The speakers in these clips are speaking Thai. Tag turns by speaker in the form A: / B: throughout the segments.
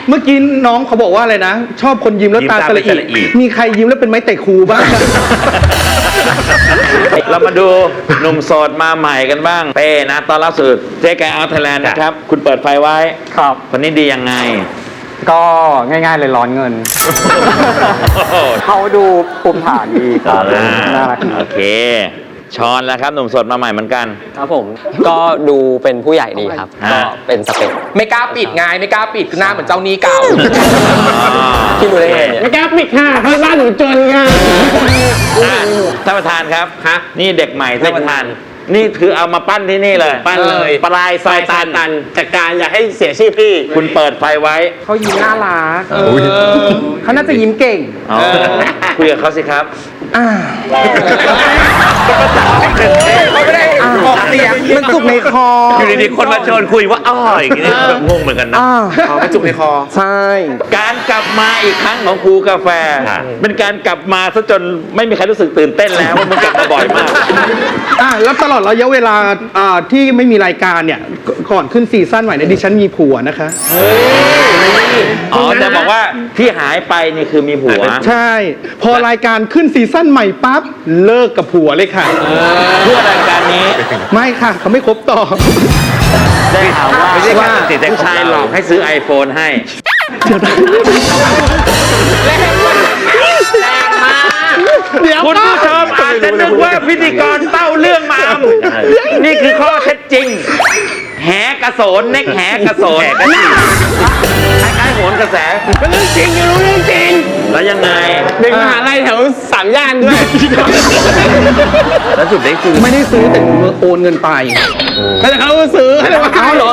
A: เมื่อกี้น้องเขาบอกว่าอะไรนะชอบคนยิ้มแล้วตาสละอิมีใครยิ้มแล้วเป็นไม้เตะครูบ้าง
B: เรามาดูหนุ่มโสดมาใหม่กันบ้างเป้นะตอนรับสู่เจ๊แกเอาไทยแลนด์นะครับคุณเปิดไฟไว้
C: ครับ
B: คนนี้ดียังไง
C: ก็ง่ายๆเลยร้อนเงิน เขาดูภูมิฐานดีครับน่ารักโ
B: อเคชอนแล้วครับหนุ่มโสดมาใหม่เหมือนกัน
D: ครับผมก็ดูเป็นผู้ใหญ่ดีครับก็เป็นสเปค
E: ไม่กล้าปิดไงไม่กล้าปิดหน้าเหมือนเจ้านี้เก่า
D: พี่รู้ได้ไง
C: ไม่กล้าปิดค่ะเพราะบ้านหนูจนค่ะ
B: ท่านประธานครับนี่เด็กใหม่ท่านประธานนี่คือเอามาปั้นที่นี่เลย
E: ปั้นเลย
B: ปลายไฟตัน
E: จัดการอย่าให้เสียชื่อพี่
B: คุณเปิดไฟไว้
C: เขายิ้มน่ารักเขาน่าจะยิ้มเก่ง
B: คุยกับเขาสิครับ
A: เขาไม่ได้ออกเสียงมันจุกในคอ
B: อยู่ดีๆคนมาชวนคุยว่าอย่างนี้งงเหมือนกันนะ
E: มันจุกในคอ
A: ใช่
B: การกลับมาอีกครั้งของครูกาแฟเป็นการกลับมาซะจนไม่มีใครรู้สึกตื่นเต้นแล้วว่ามันกลับมาบ่อยมาก
A: แล้วตลอดระยะเวลาที่ไม่มีรายการเนี่ยก่อนขึ้นซีซั่นใหม่เนี่ยดิฉันมีผัวนะคะ
B: แต่บอกว่าที่หายไปนี่คือมีผัว
A: ใช่พอรายการขึ้นซีซั่นใหม่ปั๊บเลิกกับผัวเลยค่ะ
B: เพื่อรายการนี้
A: ไม่ค่ะเขาไม่คบต่อ
B: ได้ข่าวว่าผู้ชายหลอกให้ซื้อ iPhone ให้
E: แรงมาก
B: คุณผู้ชมอาจจะนึกว่าพิธีกรเต้าเรื่องมานี่คือข้อเท็จจริงแหกระโสนเน็กแหกระโสนคล้ายๆโหนกระแส
E: เป็นเรื่องจริงอยู่รู้เรื่องจริง
B: แล้วยังไง
E: เด็กมหาลัยแถว3 ย่านด้วย
B: แล้วสุดได้ซื้อ
A: ไม่ได้ซื้อแต่โอนเงินไป
E: แต่เขาซื้อให้เราเอาหรอ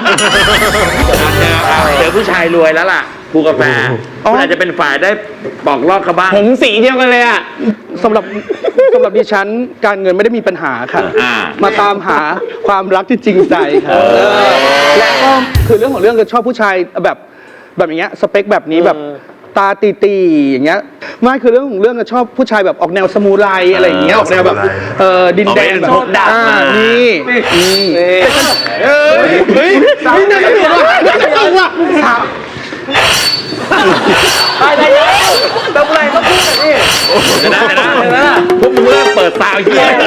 B: เจอผู้ชายรวยแล้วล่ะครูกาแฟคุณอาจจะเป็นฝ่ายได้บอกลอกเขาบ้าง
E: ผมสีเดียวกันเลยอ่ะ
A: สำหรับดิฉันการเงินไม่ได้มีปัญหาค่ะมาตามหาความรักที่จริงใจค่ะและก็คือเรื่องของเรื่องก็ชอบผู้ชายแบบอย่างเงี้ยสเปคแบบนี้แบบตาตีอย่างเงี้ยไม่คือเรื่องของเรื่องก็ชอบผู้ชายแบบออกแนวสมูไรอะไรอย่างเงี้ยออกแนวแบบดินแดงแบบนี่เฮ้ยน่าจะถูกว่ะ
B: ได้แล้วทำอะไรต้องพูดแบบนี้นะพวกมึงเริ่มเปิดตาเหี้ย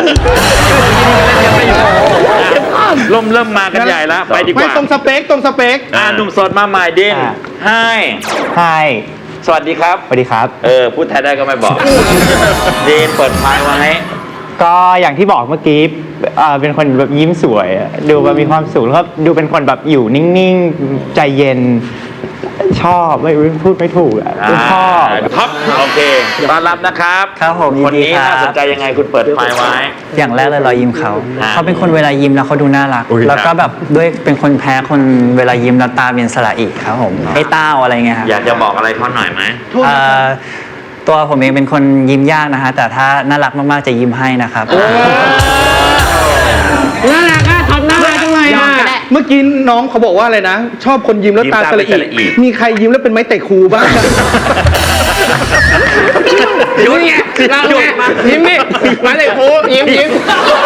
B: เริ่มมากันใหญ่แล้วไปดีกว่า
A: ไม่ตรงสเปค
B: หนุ่มโสดมาใหม่ดินให้สวัสดีครับ
D: สวัสดีครับ
B: พูดไทยได้ก็ไม่บอกดินเปิดไฟไว้
D: ก็อย่างที่บอกเมื่อกี้เป็นคนแบบยิ้มสวยดูแบบมีความสุขแล้วก็ดูเป็นคนแบบอยู่นิ่งๆใจเย็นชอบไม่พูดไม่ถูกชอบ
B: ท็อปโอเคต้อนรับนะครับ
D: ครับผม
B: คนนี้น่าสนใจยังไงคุณเปิดไฟไว้
D: อย่างแรกเลยรอยยิ้มเขาเป็นคนเวลายิ้มแล้วเขาดูน่ารักแล้วก็แบบด้วยเป็นคนแพ้คนเวลายิ้มแล้วตาเป็นสระอีครับผมไอ้เต้าอะไรเงี้ยครับ
B: อยากจะบอกอะไรเขาหน่อยไหม
D: ตัวผมเองเป็นคนยิ้มยากนะฮะแต่ถ้าน่ารักมากๆจะยิ้มให้นะครับ
E: น่ารักอะทำน่ารักจังเลยอะ
A: เมื่อกี้น้องเขาบอกว่าอะไรนะชอบคนยิ้มแล้วตาสละอิมีใครยิ้มแล้วเป็นไม้เตะครูบ้าง
E: ยิ้มไงเราไงยิ้มนี่มาเตะครูยิ้ม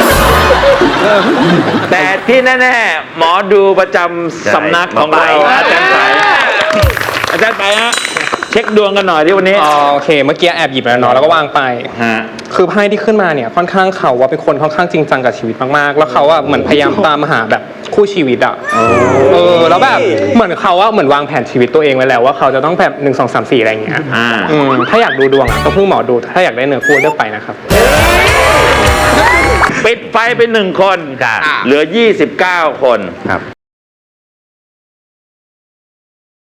B: แต่ที่แน่ๆหมอดูประจำสำนักของเราอาจารย์ไปฮะเช็คดวงกันหน่อยที่วันนี้
C: โอเคเมื่อกี้แอบหยิบแล้วเนาะแล้วก็วางไปคือไพ่ที่ขึ้นมาเนี่ยค่อนข้างเขาว่าเป็นคนค่อนข้างจริงจังกับชีวิตมากๆแล้วเขาว่าเหมือนพยายามตามหาแบบคู่ชีวิตอ่ะแล้วแบบเหมือนเขาว่าเหมือนวางแผนชีวิตตัวเองไว้แล้วว่าเขาจะต้องแบบ1 2 3 4อะไรอย่างเงี้ยถ้าอยากดูดวงอ่ะต้องพึ่งหมอดูถ้าอยากได้เนื้อคู่เลือกไปนะครับ
B: ปิดไฟไป1 คนเหลือ29 คนครับ